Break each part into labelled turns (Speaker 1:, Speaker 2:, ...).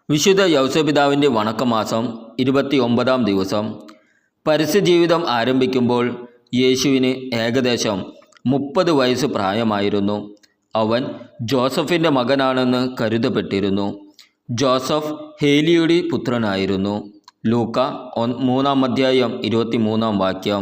Speaker 1: വിശുദ്ധ യൗസപിതാവിൻ്റെ വണക്കമാസം 29-ാം ദിവസം. പരസ്യജീവിതം ആരംഭിക്കുമ്പോൾ യേശുവിന് ഏകദേശം 30 വയസ്സ് പ്രായമായിരുന്നു. അവൻ ജോസഫിൻ്റെ മകനാണെന്ന് കരുതപ്പെട്ടിരുന്നു. ജോസഫ് ഹേലിയുടെ പുത്രനായിരുന്നു. ലൂക്ക 3:23.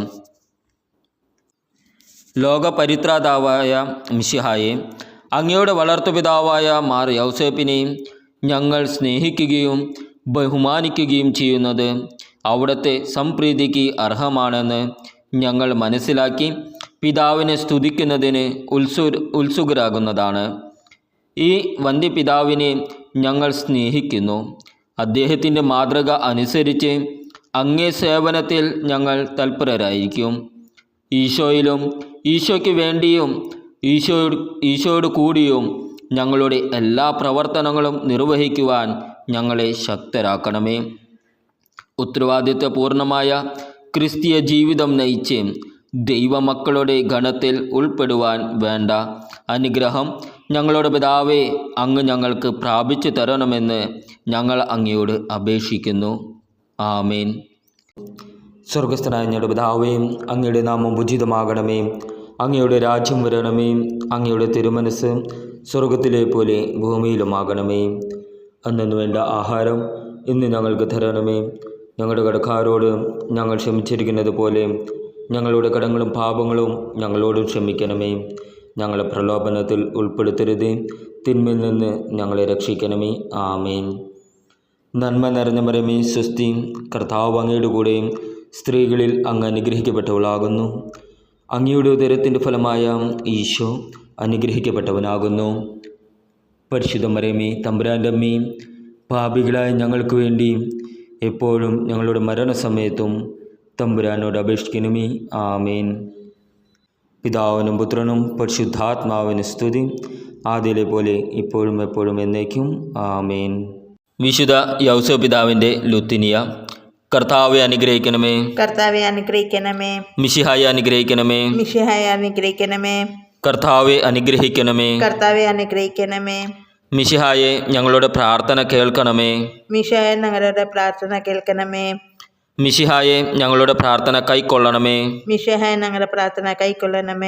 Speaker 1: ലോകപരിത്രാതാവായ മിശിഹായെ, അങ്ങയുടെ വളർത്തുപിതാവായ മാർ യൗസേപ്പിനെയും ഞങ്ങൾ സ്നേഹിക്കുകയും ബഹുമാനിക്കുകയും ചെയ്യുന്നത് അവിടുത്തെ സംപ്രീതിക്ക് അർഹമാണെന്ന് ഞങ്ങൾ മനസ്സിലാക്കി പിതാവിനെ സ്തുതിക്കുന്നതിന് ഉത്സുകരാകുന്നതാണ്. ഈ വന്ധ്യപിതാവിനെ ഞങ്ങൾ സ്നേഹിക്കുന്നു. അദ്ദേഹത്തിൻ്റെ മാതൃക അനുസരിച്ച് അങ്ങേ സേവനത്തിൽ ഞങ്ങൾ തൽപരരായിരിക്കും. ഈശോയിലും ഈശോയ്ക്ക് വേണ്ടിയും ഈശോയോട് കൂടിയും ഞങ്ങളുടെ എല്ലാ പ്രവർത്തനങ്ങളും നിർവഹിക്കുവാൻ ഞങ്ങളെ ശക്തരാക്കണമേ. ഉത്തരവാദിത്വപൂർണമായ ക്രിസ്തീയ ജീവിതം നയിച്ച് ദൈവമക്കളുടെ ഗണത്തിൽ ഉൾപ്പെടുവാൻ വേണ്ട അനുഗ്രഹം ഞങ്ങളുടെ പിതാവേ, അങ്ങ് ഞങ്ങൾക്ക് പ്രാപിച്ചു തരണമെന്ന് ഞങ്ങൾ അങ്ങയോട് അപേക്ഷിക്കുന്നു. ആമേൻ. സ്വർഗസ്ഥനായ ഞങ്ങളുടെ പിതാവേ, അങ്ങയുടെ നാമം ഉചിതമാകണമേ. അങ്ങയുടെ രാജ്യം വരണമേ. അങ്ങയുടെ തിരുമനസ് സ്വർഗത്തിലെ പോലെ ഭൂമിയിലുമാകണമേ. അന്നു വേണ്ട ആഹാരം ഇന്ന് ഞങ്ങൾക്ക് തരണമേ. ഞങ്ങളുടെ കടക്കാരോട് ഞങ്ങൾ ക്ഷമിച്ചിരിക്കുന്നത് പോലെ ഞങ്ങളുടെ കടങ്ങളും പാപങ്ങളും ഞങ്ങളോടും ക്ഷമിക്കണമേ. ഞങ്ങളെ പ്രലോഭനത്തിൽ ഉൾപ്പെടുത്തരുത്, തിന്മയിൽ നിന്ന് ഞങ്ങളെ രക്ഷിക്കണമേ. ആമേൻ. നന്മ നിറഞ്ഞ മറിയമേ, സ്വസ്തി, കർത്താവ് അങ്ങയുടെ കൂടെ സ്ത്രീകളിൽ അങ്ങ് അനുഗ്രഹിക്കപ്പെട്ടവളാകുന്നു. അങ്ങയുടെ ഉദരത്തിൻ്റെ ഫലമായ ഈശോ അനുഗ്രഹിക്കപ്പെട്ടവനാകുന്നു. പരിശുദ്ധ മറിയമേ, തമ്പുരാൻ്റെ അമ്മേ, പാപികളായ ഞങ്ങൾക്ക് വേണ്ടി എപ്പോഴും ഞങ്ങളുടെ മരണസമയത്തും തമ്പുരാനോട് അപേക്ഷിക്കണമേ. ആമേൻ. പിതാവിനും പുത്രനും പരിശുദ്ധാത്മാവിന് സ്തുതി, ആദിയിലെ പോലെ ഇപ്പോഴും എപ്പോഴും എന്നേക്കും. ആമേൻ. വിശുദ്ധ യൗസപിതാവിൻ്റെ ലുത്തിനിയ. കർത്താവെ അനുഗ്രഹിക്കണമേ.
Speaker 2: കർത്താവെ അനുഗ്രഹിക്കണമേ.
Speaker 1: മിശിഹായെ അനുഗ്രഹിക്കണമേ.
Speaker 2: മിശിഹായെ അനുഗ്രഹിക്കണമേ.
Speaker 1: കർത്താവെ അനുഗ്രഹിക്കണമേ.
Speaker 2: കർത്താവെ അനുഗ്രഹിക്കണമേ.
Speaker 1: മിശിഹായെ ഞങ്ങളുടെ പ്രാർത്ഥന കേൾക്കണമേ.
Speaker 2: മിശിഹായെ ഞങ്ങളുടെ പ്രാർത്ഥന കേൾക്കണമേ.
Speaker 1: മിശിഹായെ ഞങ്ങളുടെ പ്രാർത്ഥന കൈക്കൊള്ളണമേ.
Speaker 2: മിശിഹായെ ഞങ്ങളുടെ പ്രാർത്ഥന കൈക്കൊള്ളണമേ.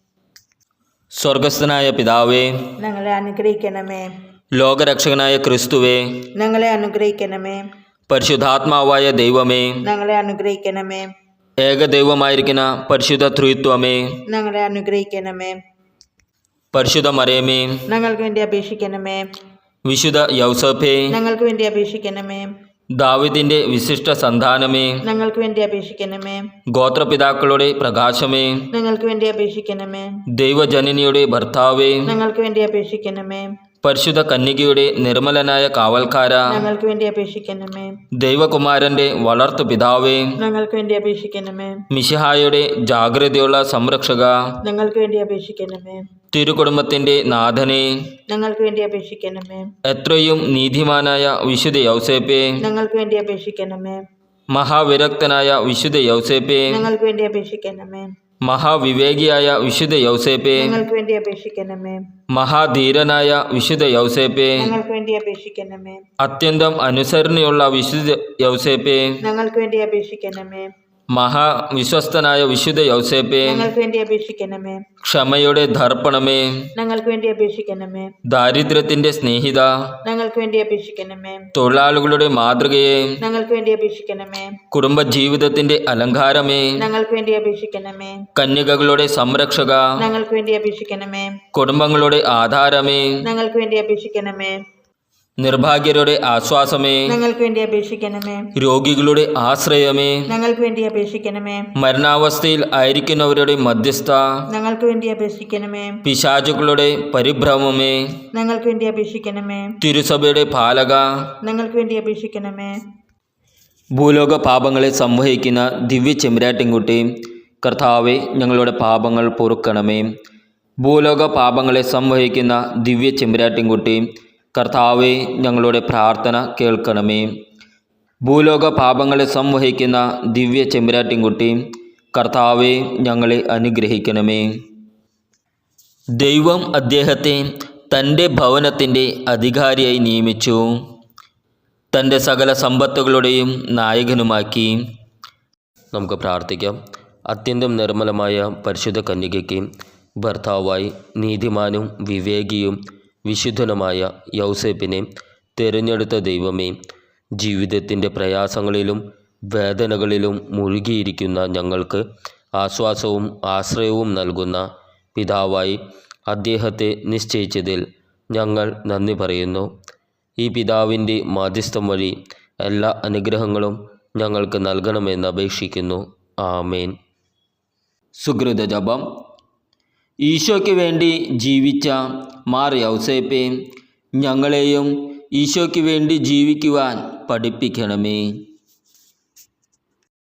Speaker 1: സ്വർഗസ്ഥനായ പിതാവേ,
Speaker 2: ഞങ്ങളെ അനുഗ്രഹിക്കണമേ.
Speaker 1: ലോകരക്ഷകനായ ക്രിസ്തുവേ,
Speaker 2: ഞങ്ങളെ അനുഗ്രഹിക്കണമേ.
Speaker 1: പരിശുദ്ധാത്മാവായ ദൈവമേ,
Speaker 2: ഞങ്ങളെ അനുഗ്രഹിക്കണമേ.
Speaker 1: ഏകദൈവമായിരിക്കുന്ന പരിശുദ്ധ ത്രിത്വമേ,
Speaker 2: ഞങ്ങളെ അനുഗ്രഹിക്കണമേ.
Speaker 1: പരിശുദ്ധ മറിയമേ,
Speaker 2: ഞങ്ങൾക്ക് വേണ്ടി അപേക്ഷിക്കണമേ.
Speaker 1: വിശുദ്ധ യൗസേപ്പേ,
Speaker 2: ഞങ്ങൾക്ക് വേണ്ടി അപേക്ഷിക്കണമേ.
Speaker 1: ദാവീദിന്റെ വിശിഷ്ട സന്താനമേ,
Speaker 2: ഞങ്ങൾക്ക് വേണ്ടി അപേക്ഷിക്കണമേ.
Speaker 1: ഗോത്രപിതാക്കളുടെ പ്രകാശമേ,
Speaker 2: ഞങ്ങൾക്ക് വേണ്ടി അപേക്ഷിക്കണമേ.
Speaker 1: ദൈവജനനിയുടെ ഭർത്താവേ,
Speaker 2: ഞങ്ങൾക്ക് വേണ്ടി അപേക്ഷിക്കണമേ.
Speaker 1: പരിശുദ്ധ കന്യകയുടെ നിർമ്മലനായ കാവൽക്കാര,
Speaker 2: ഞങ്ങൾക്ക് വേണ്ടി അപേക്ഷിക്കണമേ.
Speaker 1: ദൈവകുമാരന്റെ വളർത്തു പിതാവേ,
Speaker 2: ഞങ്ങൾക്ക് വേണ്ടി അപേക്ഷിക്കണമേ.
Speaker 1: മിശിഹായുടെ ജാഗ്രതയുള്ള സംരക്ഷക,
Speaker 2: ഞങ്ങൾക്ക് വേണ്ടി അപേക്ഷിക്കണമേ.
Speaker 1: തിരുകുടുംബത്തിന്റെ നാഥനെ,
Speaker 2: ഞങ്ങൾക്ക് വേണ്ടി അപേക്ഷിക്കണമേ.
Speaker 1: എത്രയും നീതിമാനായ വിശുദ്ധ യൗസേപ്പേ,
Speaker 2: ഞങ്ങൾക്ക് വേണ്ടി അപേക്ഷിക്കണമേ.
Speaker 1: മഹാവിരക്തനായ വിശുദ്ധ യൗസേപ്പേ,
Speaker 2: ഞങ്ങൾക്ക് വേണ്ടി അപേക്ഷിക്കണമേ.
Speaker 1: മഹാവിവേകിയായ വിശുദ്ധ യൗസേപ്പേ,
Speaker 2: ഞങ്ങൾക്ക് വേണ്ടി അപേക്ഷിക്കണമേ.
Speaker 1: മഹാധീരനായ വിശുദ്ധ യൗസേപ്പേ,
Speaker 2: ഞങ്ങൾക്ക് വേണ്ടി അപേക്ഷിക്കണമേ.
Speaker 1: അത്യന്തം അനുസരണയുള്ള വിശുദ്ധ യൗസേപ്പേ,
Speaker 2: ഞങ്ങൾക്ക് വേണ്ടി അപേക്ഷിക്കണമേ.
Speaker 1: മഹാവിശ്വസ്തനായ വിശുദ്ധ യൗസേപ്പേ,
Speaker 2: ഞങ്ങൾക്ക് വേണ്ടി അപേക്ഷിക്കണമേ.
Speaker 1: ക്ഷമയുടെ ദർപ്പണമേ,
Speaker 2: ഞങ്ങൾക്ക് വേണ്ടി അപേക്ഷിക്കണമേ.
Speaker 1: ദാരിദ്ര്യത്തിന്റെ സ്നേഹിത,
Speaker 2: ഞങ്ങൾക്ക് വേണ്ടി അപേക്ഷിക്കണമേ.
Speaker 1: തൊഴിലാളികളുടെ മാതൃകയെ,
Speaker 2: ഞങ്ങൾക്ക് വേണ്ടി അപേക്ഷിക്കണമേ.
Speaker 1: കുടുംബജീവിതത്തിന്റെ അലങ്കാരമേ,
Speaker 2: ഞങ്ങൾക്ക് വേണ്ടി അപേക്ഷിക്കണമേ.
Speaker 1: കന്യകകളുടെ സംരക്ഷക,
Speaker 2: ഞങ്ങൾക്ക് വേണ്ടി അപേക്ഷിക്കണമേ.
Speaker 1: കുടുംബങ്ങളുടെ ആധാരമേ,
Speaker 2: ഞങ്ങൾക്ക് വേണ്ടി അപേക്ഷിക്കണമേ.
Speaker 1: നിർഭാഗ്യരുടെ ആശ്വാസമേ,
Speaker 2: ഞങ്ങൾക്ക് വേണ്ടി അപേക്ഷിക്കണമേ.
Speaker 1: രോഗികളുടെ ആശ്രയമേ,
Speaker 2: ഞങ്ങൾക്ക് വേണ്ടി അപേക്ഷിക്കണമേ.
Speaker 1: മരണാവസ്ഥയിൽ ആയിരിക്കുന്നവരുടെ മധ്യസ്ഥ,
Speaker 2: ഞങ്ങൾക്ക് വേണ്ടി അപേക്ഷിക്കണമേ.
Speaker 1: പിശാചുക്കളുടെ പരിഭ്രമമേ,
Speaker 2: ഞങ്ങൾക്ക് വേണ്ടി അപേക്ഷിക്കണമേ.
Speaker 1: തിരുസഭയുടെ പാലക,
Speaker 2: ഞങ്ങൾക്ക് വേണ്ടി അപേക്ഷിക്കണമേ.
Speaker 1: ഭൂലോക പാപങ്ങളെ സംവഹിക്കുന്ന ദിവ്യ ചെമ്പരാട്ടിൻകുട്ടി, കർത്താവെ ഞങ്ങളുടെ പാപങ്ങൾ പൊറുക്കണമേ. ഭൂലോക പാപങ്ങളെ സംവഹിക്കുന്ന ദിവ്യ ചെമ്പരാട്ടിൻകുട്ടി, കർത്താവെ ഞങ്ങളുടെ പ്രാർത്ഥന കേൾക്കണമേ. ഭൂലോക പാപങ്ങളെ സംവഹിക്കുന്ന ദിവ്യ ചെമ്പരാട്ടിൻകുട്ടി, കർത്താവെ ഞങ്ങളെ അനുഗ്രഹിക്കണമേ. ദൈവം അദ്ദേഹത്തെ തൻ്റെ ഭവനത്തിൻ്റെ അധികാരിയായി നിയമിച്ചു. തൻ്റെ സകല സമ്പത്തുകളുടെയും നായകനുമാക്കി. നമുക്ക് പ്രാർത്ഥിക്കാം. അത്യന്തം നിർമ്മലമായ പരിശുദ്ധ കന്യകയ്ക്ക് ഭർത്താവായി നീതിമാനും വിവേകിയും വിശുദ്ധനുമായ യൗസേപ്പിനെ തിരഞ്ഞെടുത്ത ദൈവമേ, ജീവിതത്തിൻ്റെ പ്രയാസങ്ങളിലും വേദനകളിലും മുഴുകിയിരിക്കുന്ന ഞങ്ങൾക്ക് ആശ്വാസവും ആശ്രയവും നൽകുന്ന പിതാവായി അദ്ദേഹത്തെ നിശ്ചയിച്ചതിൽ ഞങ്ങൾ നന്ദി പറയുന്നു. ഈ പിതാവിൻ്റെ മാധ്യസ്ഥം വഴി എല്ലാ അനുഗ്രഹങ്ങളും ഞങ്ങൾക്ക് നൽകണമെന്ന് അപേക്ഷിക്കുന്നു. ആമേൻ. സുകൃത ജപം. ഈശോയ്ക്ക് വേണ്ടി ജീവിച്ച മാർ യൗസേപ്പെ, ഞങ്ങളെയും ഈശോയ്ക്ക് വേണ്ടി ജീവിക്കുവാൻ പഠിപ്പിക്കണമേ.